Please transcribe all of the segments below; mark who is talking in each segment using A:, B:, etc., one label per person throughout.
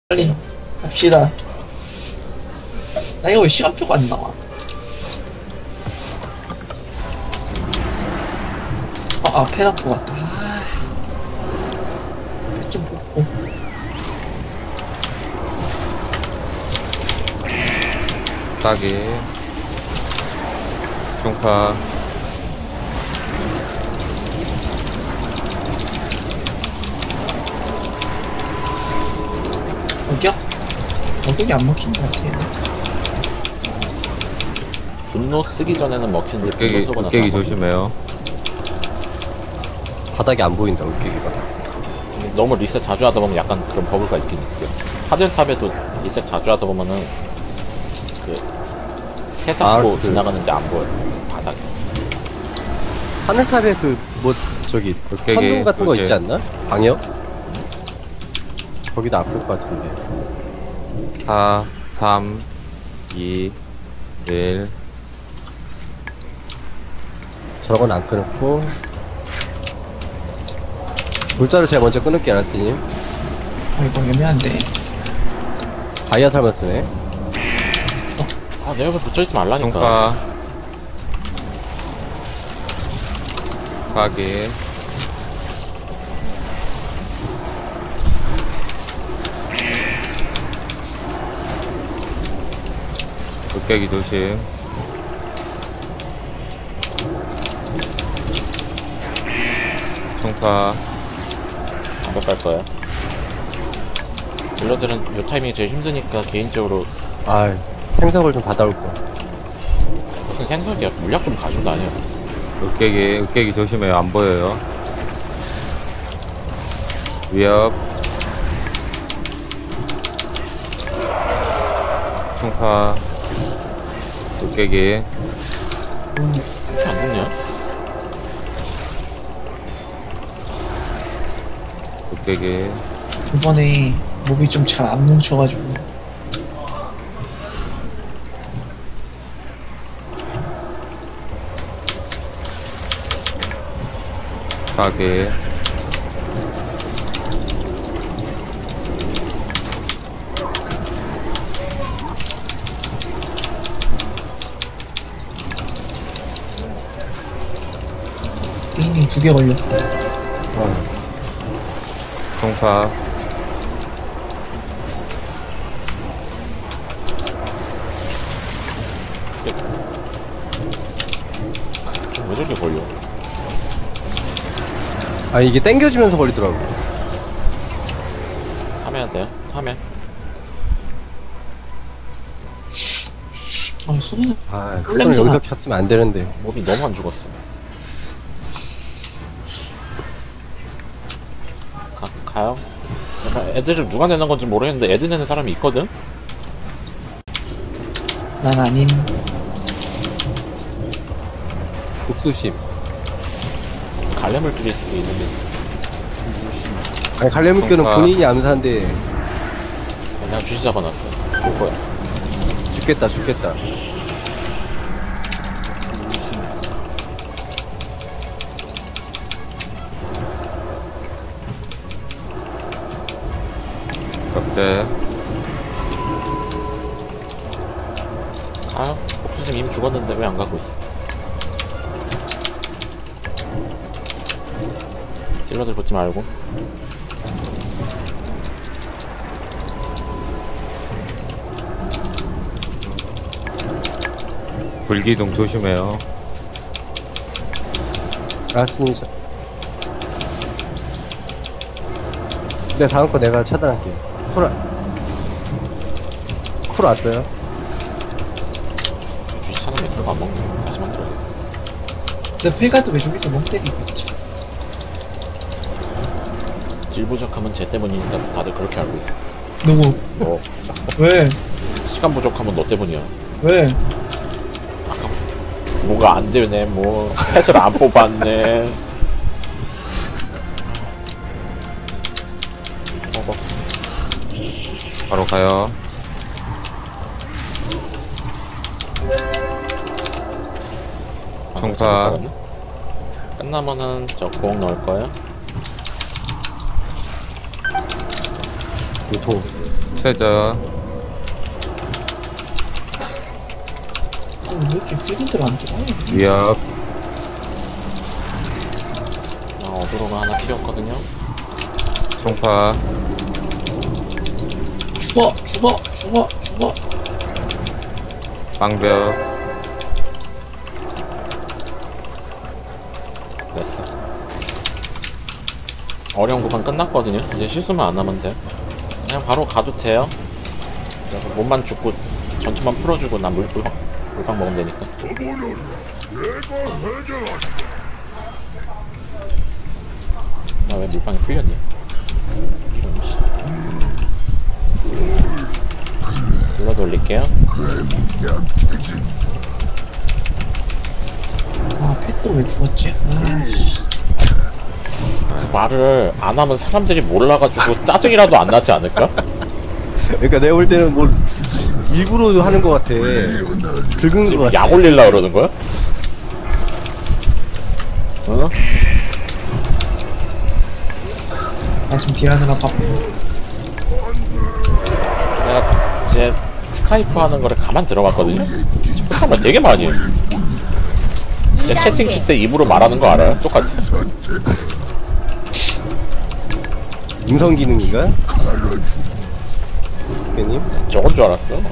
A: 빨리 갑시다. 나 이거 왜 시간표가 안 나와? 앞에 놨고 갔다. 좀 보고.
B: 따기 중파
A: 어격? 어격이 안 먹힌 것 같아요.
C: 분노 쓰기 전에는 먹히는데 분노
B: 으깨기,
C: 쓰고 나서
B: 으깨기
C: 안 먹히네.
B: 조심해요.
D: 바닥이 안 보인다, 으깨기가.
C: 너무 리셋 자주 하다 보면 약간 그런 버블가 있긴 있어요. 하드탑에도 리셋 자주 하다 보면은 그 새삼고 지나가는데 안 보여요. 바닥에.
D: 하늘탑에 저기,
B: 으깨기,
D: 천둥 같은 거
B: 으깨기.
D: 있지 않나? 광역? 거기도 아플 것 같은데.
B: 4 3 2 1
D: 저건 안 끊고. 돌자를 제일 먼저 끊을게, 알았으님.
A: 이거 애매한데.
D: 다이아 살만 쓰네.
C: 아, 내 옆에 붙어있지 말라니까.
B: 중파 따기 으깨기 조심. 중파
C: 안갈 거야. 딜러들은 요 타이밍이 제일 힘드니까 개인적으로
D: 아, 생석을 좀 받아올 거.
C: 무슨 생석이야. 물약 좀 가지고 다녀.
B: 으깨기 조심해요. 안 보여요. 위협 충파 으깨기
C: 왜 안 죽냐?
B: 으깨기
A: 이번에 몹이 좀 잘 안 뭉쳐가지고.
B: 사기
A: 게임이 2개 걸렸어.
B: 충파
C: 죽겠다. 왜 저렇게 걸려?
D: 아, 이게 땡겨주면서 걸리더라고.
C: 참여해야 돼요? 참여.
A: 손이
D: 아,
A: 꿀
D: 손을
A: 냄새나.
D: 여기서 켰으면 안 되는데.
C: 몹이 너무 안 죽었어. 가요? 잠깐, 애들을 누가 내는 건지 모르겠는데 애들 내는 사람이 있거든?
A: 난 아님.
D: 옥수심.
C: 갈래물길일 수도 있는데.
D: 아니, 갈래물교는
B: 그러니까.
D: 본인이 암사인데.
C: 그냥 주시 잡아놨어. 볼 거야.
D: 죽겠다.
B: 격제
C: 가요? 옥수님 이미 죽었는데 왜 안 가고 있어? 찔러들 붙지 말고.
B: 불기둥 조심해요.
D: 알았으니, 네, 다음 거 내가 차단할게. 쿨 왔어요?
C: 주시 차는 맥주가 안 먹네. 다시 만들어야 돼.
A: 근데 펠가드 왜 저기서 멍 때리고 있지?
C: 질 부족하면 쟤 때문이니까 다들 그렇게 알고 있어.
A: 누구?
C: 너
A: 왜?
C: 시간 부족하면 너 때문이야.
A: 왜?
C: 뭐가 안 되네. 뭐 펫을 안 뽑았네.
B: 바로 가요. 중파
C: 끝나면은 저 공 넣을 거예요.
D: 유통
B: 최저.
A: 왜 이렇게 필드를 안 들어?
B: 위협.
C: 어그로가 하나 튀었거든요.
B: 총파.
A: 죽어, 죽어, 죽어, 죽어.
B: 방벽.
C: 됐어. 어려운 구간 끝났거든요. 이제 실수만 안 하면 돼. 그냥 바로 가도 돼요. 그래서 몸만 죽고 전투만 풀어주고 난 물방 먹으면 되니까. 나 왜 물방이 풀렸냐? 이런 씨. 눌러 돌릴게요.
A: 아, 펫도 왜 죽었지? 아이씨.
C: 말을 안 하면 사람들이 몰라가지고 짜증이라도 안 나지 않을까?
D: 그러니까 내가 볼 때는 뭘 일부러 하는 것 같아. 긁은 것
C: 지금
D: 같아.
C: 약 올릴라 그러는 거야? 어?
A: 나 지금 딜하느라 바빠.
C: 내가 이제 스카이프 하는 거를 가만 들어봤거든요? 착한 말 되게 많이 해. 이제 채팅 칠 때 입으로 말하는 거 알아요? 똑같이.
D: 음성 기능인가? 대표님?
C: 저건 줄 알았어.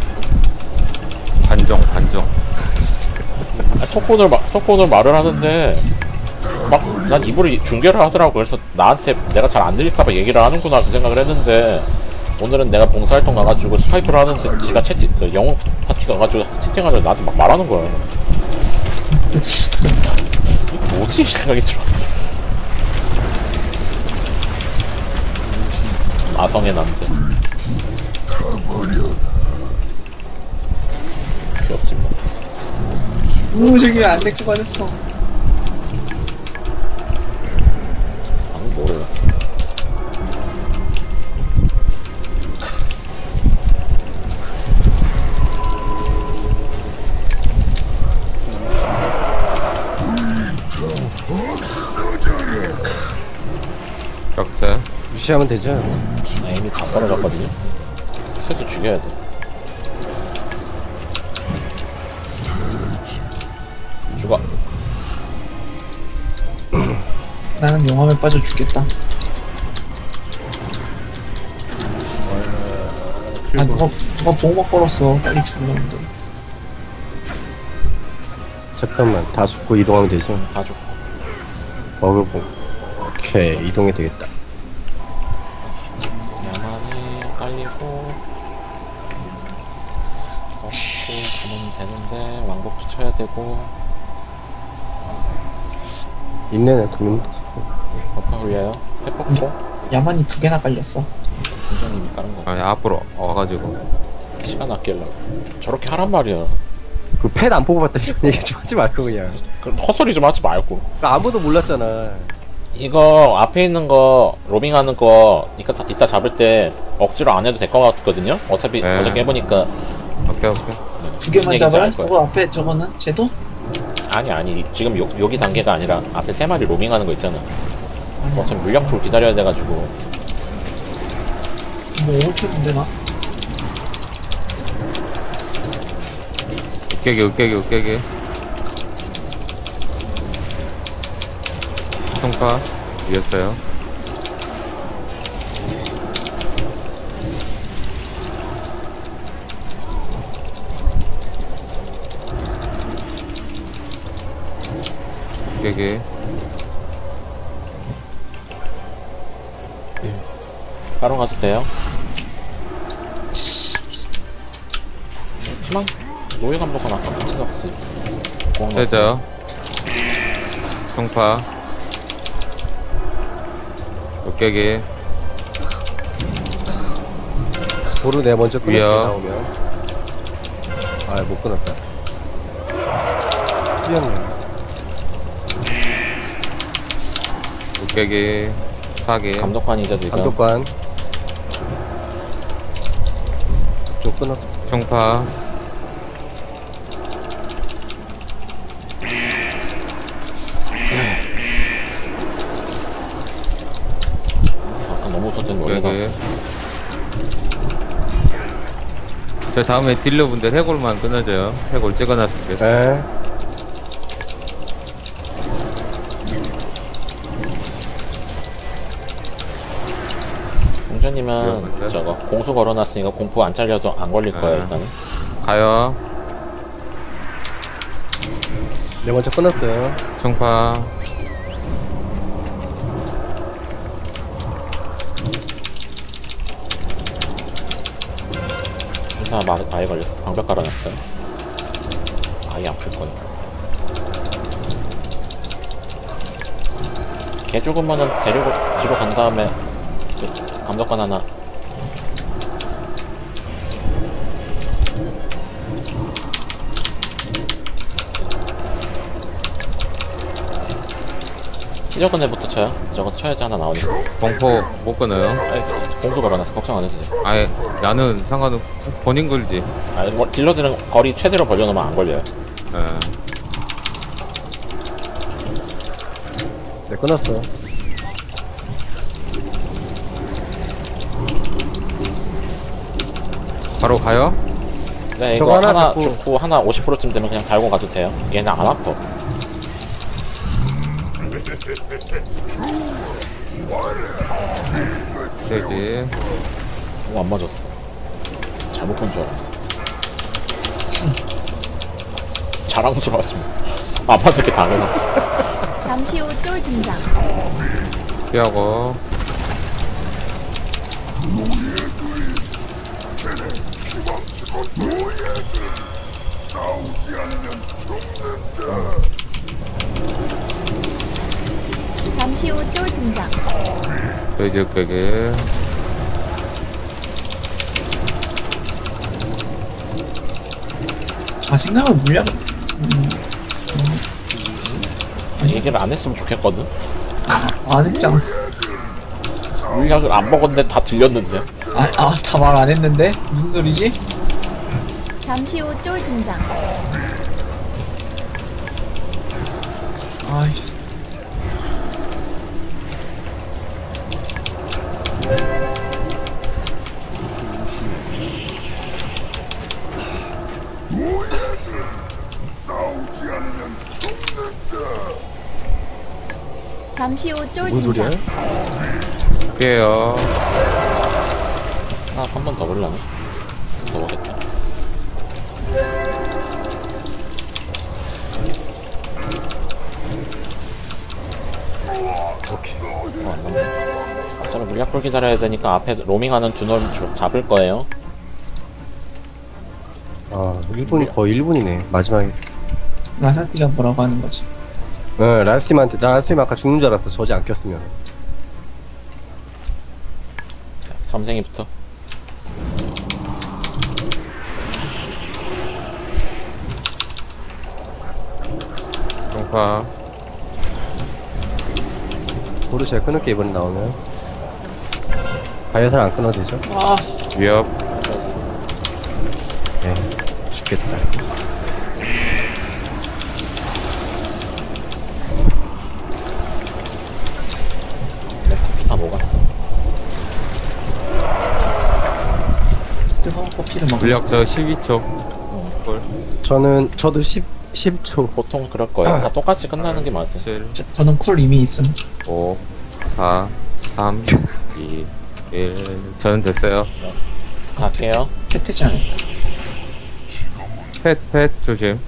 B: 반정.
C: 아, 톡폰으로 말을 하는데, 막, 난 입으로 중계를 하더라고. 그래서 나한테 내가 잘 안 들릴까봐 얘기를 하는구나, 그 생각을 했는데, 오늘은 내가 봉사활동 가가지고 스카이프를 하는데, 지가 그 영어 파티 가가지고 채팅하려고 나한테 막 말하는 거야. 이게 뭐지? 생각이 들어. 아성의 남자. 귀엽지 뭐.
A: 저기 안 데리고 가졌어.
C: 방금 뭐래.
B: 격자.
D: 무시하면 되죠.
C: 나 이미 다 떨어졌거든요. 슬슬 죽여야 돼. 죽어.
A: 나는 용암에 빠져 죽겠다. 아, 누가 보호막 걸었어. 빨리 죽으려는데.
D: 잠깐만, 다 죽고 이동하면 되죠.
C: 다 죽고.
D: 버그봉. 오케이, 이동이 되겠다.
C: 야만이 깔리고 먹고 가면 되는데 왕복도 쳐야 되고.
D: 인내는 도면
C: 버퍼 흘려요. 페퍼포.
A: 야만이 2개나 깔렸어.
C: 공장님이 깔은 거.
B: 아니, 앞으로 와가지고.
C: 시간 아끼려고. 저렇게 하란 말이야.
D: 그패 안 뽑아봤다 이런 얘기 좀 하지 말고 그냥.
C: 그럼 헛소리 좀 하지 말고.
D: 그러니까 아무도 몰랐잖아.
C: 이거 앞에 있는 거 로밍하는 거 이따 잡을 때 억지로 안 해도 될 것 같거든요. 어차피
B: 네.
C: 어저께 해보니까.
B: 오케이.
A: 2개만
C: 얘기인지
A: 잡아요?
C: 알 거야.
A: 저거 앞에 저거는? 쟤도?
C: 아니 지금 여기 단계가 아니라 앞에 3마리 로밍하는 거 있잖아.
A: 아니야.
C: 어차피 물량풀 기다려야 돼가지고.
A: 뭐 어떻게 나?
B: 으깨기. 총파. 이겼어요. 으깨기.
C: 바로 가도 돼요. 희망 노예 감독은 아까 같이 넣었지.
B: 최저. 총파. 으깨기.
D: 도로 내가 먼저 끊을게
B: 위협.
D: 나오면. 아, 못 끊었다. 찌였네.
B: 으깨기. 사기.
C: 감독관이죠 지금.
D: 감독관. 좀 끊었어.
B: 총파.
C: 아까 너무 웃었던 노예가.
B: 으깨기. 저 다음에 딜러분들 해골만 끊어줘요. 해골 찍어놨을게.
D: 에.
C: 공주님은
B: 위험한데?
C: 저거 공수 걸어놨으니까 공포 안 잘려도 안 걸릴 거예요
B: 네.
C: 일단은.
B: 가요.
D: 네 번째 끝났어요.
B: 충파.
C: 주사 아예 걸렸어. 방벽 깔아놨어요. 아예 아플 거예요. 걔 죽으면은 데리고 뒤로 간 다음에 감독관 하나. 시저근에부터 쳐요. 저거 쳐야지 하나 나오니까.
B: 공포 못 끊어요.
C: 아니, 공수 걸어놨어. 걱정 안 해도 돼.
B: 아예 나는 상관없. 본인 걸지.
C: 아니, 뭐 딜러들은 거리 최대로 벌려놓으면 안 걸려요.
B: 예.
D: 네 끝났어요.
B: 바로 가요.
C: 네,
D: 저거
C: 이거
D: 하나
C: 하나
D: 잡고-
C: 죽고 하나 50%쯤 되면 그냥 달고 가도 돼요. 얘는 안 아파.
B: 되지.
C: 오, 안 맞았어. 잘못 본 줄 알았어. 자랑스러워하지 마. 안 맞을 게 당연하지.
E: 잠시 후 쫄 등장.
B: 피하고.
E: 잠시 후 쫄 등장.
B: 돼지 흑백에.
A: 아, 생각은 물량,
C: 얘기를 안 했으면 좋겠거든.
A: 안 했잖아.
C: 물약을 안 먹었는데 다 들렸는데.
A: 다 말 안 했는데? 무슨 소리지?
E: 잠시 후 쫄 등장.
A: 아이,
E: 잠시 후 쫄
D: 뭔 소리야?
E: 등장.
B: 피해요.
C: 하나 한 번 더 볼라나? 더 보겠다.
D: 오케이.
C: 안 남네. 어차피 물약 볼 기다려야 되니까 앞에 로밍하는 두놈 잡을 거예요.
D: 아 1분 거의 1분이네. 마지막에.
A: 라사티가 뭐라고 하는 거지?
D: 라스팀 아까 죽는 줄 알았어. 저지 안 꼈으면.
C: 섬생이부터.
B: 충파.
D: 보르시아 끊을게 이번에 나오면. 바이오살 안 끊어도 되죠?
A: 아,
B: 위협.
D: 네. 죽겠다.
C: 다 녹았어.
A: 뜨거운 커피를 먹어.
B: 물약 저 12초.
D: 저도 10초.
C: 보통 그럴 거예요. 다 똑같이 끝나는 게 맞아.
B: 7,
A: 저는 쿨 이미 있음.
B: 5, 4, 3, 2, 1. 저는 됐어요.
C: 갈게요.
A: 세태지 않았다.
B: 펫 조심.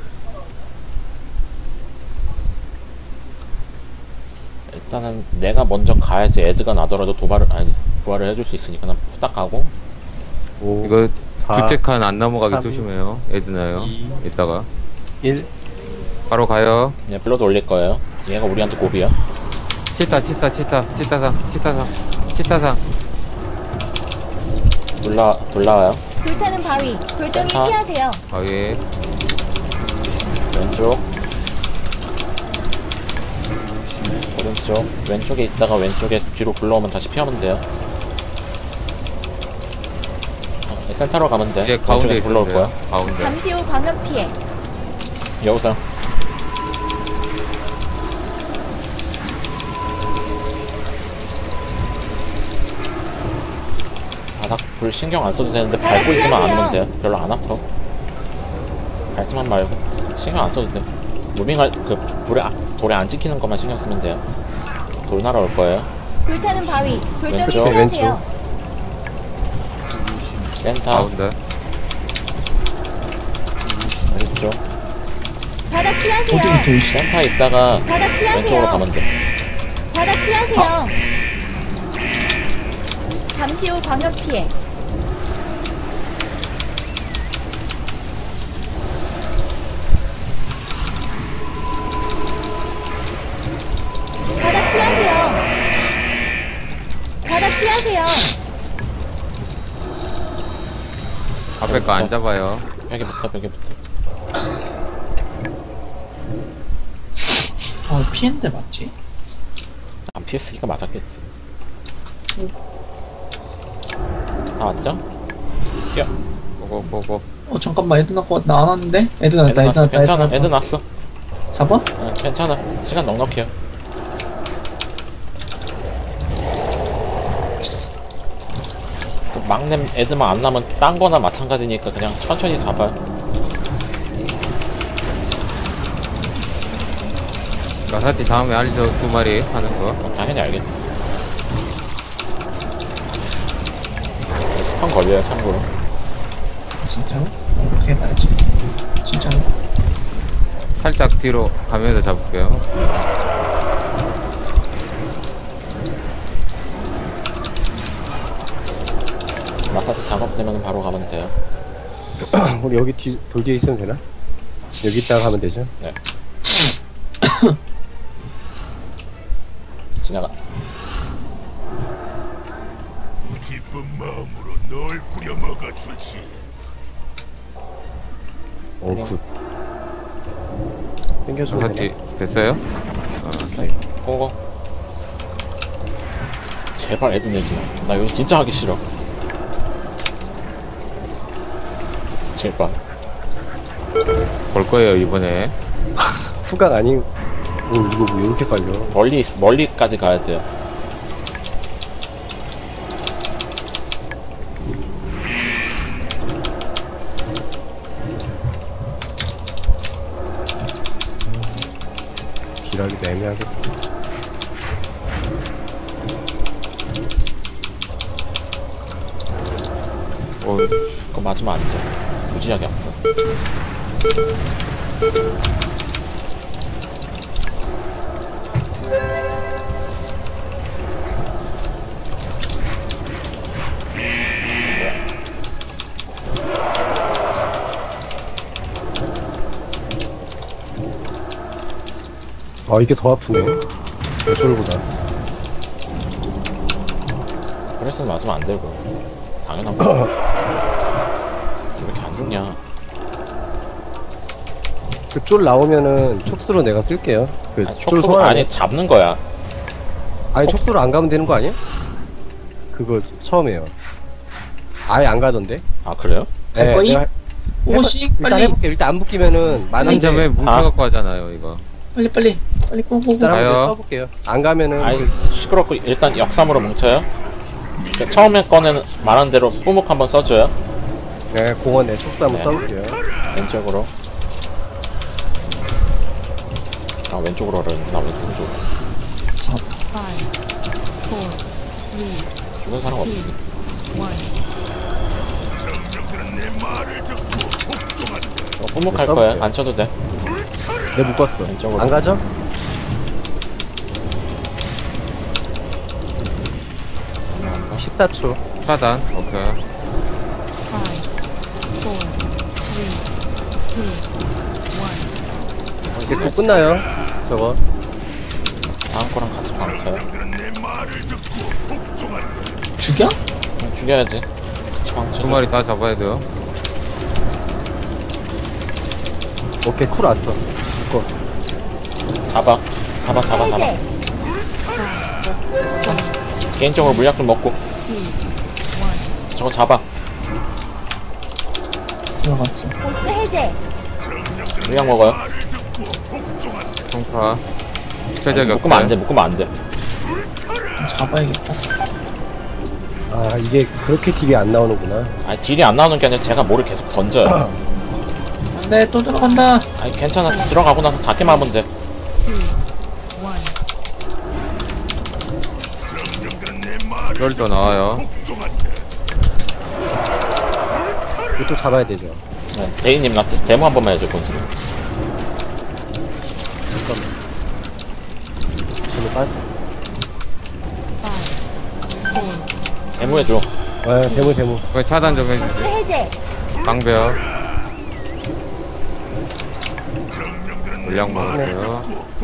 C: 일단은 내가 먼저 가야지 애드가 나더라도 부활을 해줄 수 있으니까 난 후딱 가고.
D: 5,
B: 이거
D: 4,
B: 둘째 칸 안 넘어가게
D: 3,
B: 조심해요. 애드나요.
D: 2,
B: 이따가
D: 1.
B: 바로 가요.
C: 네, 블러드 올릴 거예요. 얘가 우리한테 고비야.
B: 치타상.
C: 돌라와요.
E: 불타는 바위. 돌덩이
C: 센터.
E: 피하세요.
B: 아예.
C: 왼쪽. 오른쪽. 왼쪽에 있다가 왼쪽에 뒤로 굴러오면 다시 피하면 돼요. 센터로 가면 돼.
B: 예, 가운데
C: 왼쪽에 굴러올
B: 있어요.
C: 거야.
B: 가운데.
E: 잠시 후 광역 피해.
C: 여우상. 바닥 불 신경 안 써도 되는데 밟고 있지만 않으면 돼요. 별로 안 아파. 밟지만 말고 신경 안 써도 돼. 무빙할 그 불에 돌에 안 찍히는 것만 신경 쓰면 돼요. 돌 날아올 거예요.
E: 불타는 바위. 돌덩이
C: 왼쪽,
E: 피하세요.
C: 센터
B: 가운데.
C: 왼쪽.
E: 바닥 피하세요.
A: 어떻게 돌지?
C: 센터 있다가
E: 바닥
C: 왼쪽으로
E: 피하세요.
C: 가면 돼.
E: 바닥 피하세요. 잠시 후 광역 피해. 바닥 피하세요. 바닥 피하세요.
B: 앞에 거 안 잡아요.
C: 벽에부터.
A: 피했는데 맞지?
C: 안 피했으니까 맞았겠지. 다 왔죠? 뛰어.
B: 고고고고.
A: 잠깐만, 애드 나 안 왔는데? 애드 났다, 애드 났다.
C: 괜찮아.
A: 애드
C: 애드
A: 났다.
C: 났어.
A: 잡아?
C: 괜찮아. 시간 넉넉해요. 그 막냄 애드만 안 나면 딴 거나 마찬가지니까 그냥 천천히 잡아요.
B: 라사티 다음에 알리죠 2마리 하는 거.
C: 당연히 알겠지. 스턴 걸려요, 참고로.
A: 진짜로? 어떻게 해봐야지. 진짜로?
B: 살짝 뒤로 가면서 잡을게요.
C: 마사지 작업되면 바로 가면 돼요.
D: 우리 여기 돌 뒤에 있으면 되나? 여기 있다가 가면 되죠?
C: 네. 지나가.
F: 기쁜 마음으로 널 부려먹어 주지.
D: 굿. 땡겨주면
B: 라사티
D: 되나?
B: 됐어요?
C: 고고. 제발 애드 내지 마. 나 여기 진짜 하기 싫어. 제발.
B: 볼 거예요 이번에.
D: 후각 아닌, 이거 뭐 이렇게 깔려.
C: 멀리까지 가야 돼요.
D: 딜하기도 애매하겠다.
C: 그거 맞으면 안 돼. 무지하게 아파.
D: 이게 더 아프네. 저쪽보다.
C: 그래서 맞으면 안 되고. 당연한 거. 왜 이렇게 안 죽냐?
D: 그 쫄 나오면은 촉수로 내가 쓸게요. 그
C: 아니,
D: 쫄
C: 촉수가
D: 소환
C: 아니 잡는 거야.
D: 아니 촉수로 안 가면 되는 거 아니야? 그거 처음에요. 아예 안 가던데?
C: 아 그래요?
A: 갈 거이?
D: 내가
A: 오씩
D: 일단
A: 빨리.
D: 해볼게. 일단 안 붙기면은
B: 한
D: 많은데
B: 점에 뭉쳐갖고 하잖아요 이거.
A: 빨리 꼬꼬꼬.
D: 일단 한번
B: 가요.
D: 써볼게요. 안 가면은
C: 아니
D: 그,
C: 시끄럽고 일단 역삼으로 뭉쳐요. 그 처음에 거는 말한 대로 뿌묵 한번 써줘요.
D: 네, 공원에 촉수 한번
C: 네.
D: 써볼게요.
C: 왼쪽으로. 아 왼쪽으로 하려는데 나 왼쪽으로. 죽은 사람 없지. 저 뿌묵 할 거야.
D: 써볼게요.
C: 안 쳐도 돼.
D: 내 묶었어.
C: 왼쪽으로.
D: 안 가죠?
C: 안 가.
D: 14초.
B: 차단. 오케이.
D: 이제 곧 끝나요. 저거.
C: 다음 거랑 같이 방쳐요.
A: 죽여?
C: 그냥 죽여야지. 같이 방쳐.
B: 2마리 다 잡아야 돼요.
D: 오케이, 쿨 왔어. 묶어.
C: 잡아.
E: 해제.
C: 개인적으로 물약 좀 먹고. 저거 잡아.
A: 들어갔어.
E: 보스 해제.
C: 물약 먹어요.
B: 통파. 최적
C: 묶으면 안 돼.
B: 역할.
C: 묶으면 안 돼.
A: 잡아야겠다.
D: 아 이게 그렇게 딜이 안 나오는구나.
C: 아니 딜이 안 나오는 게 아니라 제가 뭐를 계속 던져요.
A: 안돼 또 들어간다.
C: 아니 괜찮아. 들어가고 나서 작게만 하면 돼.
B: 쫄도 나와요.
D: 이것도 잡아야 되죠.
C: 네, 대인님 나 데모 한 번만 해줘 본수.
D: 잠깐만. 저는 빠져.
C: 데모 해줘.
D: 아 대무.
B: 그거 차단 좀 해주세요.
E: 해제.
B: 방배요. 물량 먹었어요.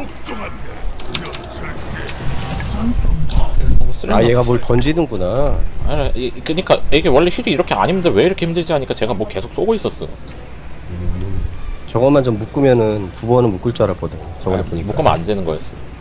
D: 아 얘가 뭘 던지는구나.
C: 아니 그니까 이게 원래 힐이 이렇게 안 힘든데 왜 이렇게 힘들지 하니까 제가 뭐 계속 쏘고 있었어.
D: 저것만 좀 묶으면은 두 번은 묶을 줄 알았거든. 저번에 보니까.
C: 묶으면 안 되는 거였어.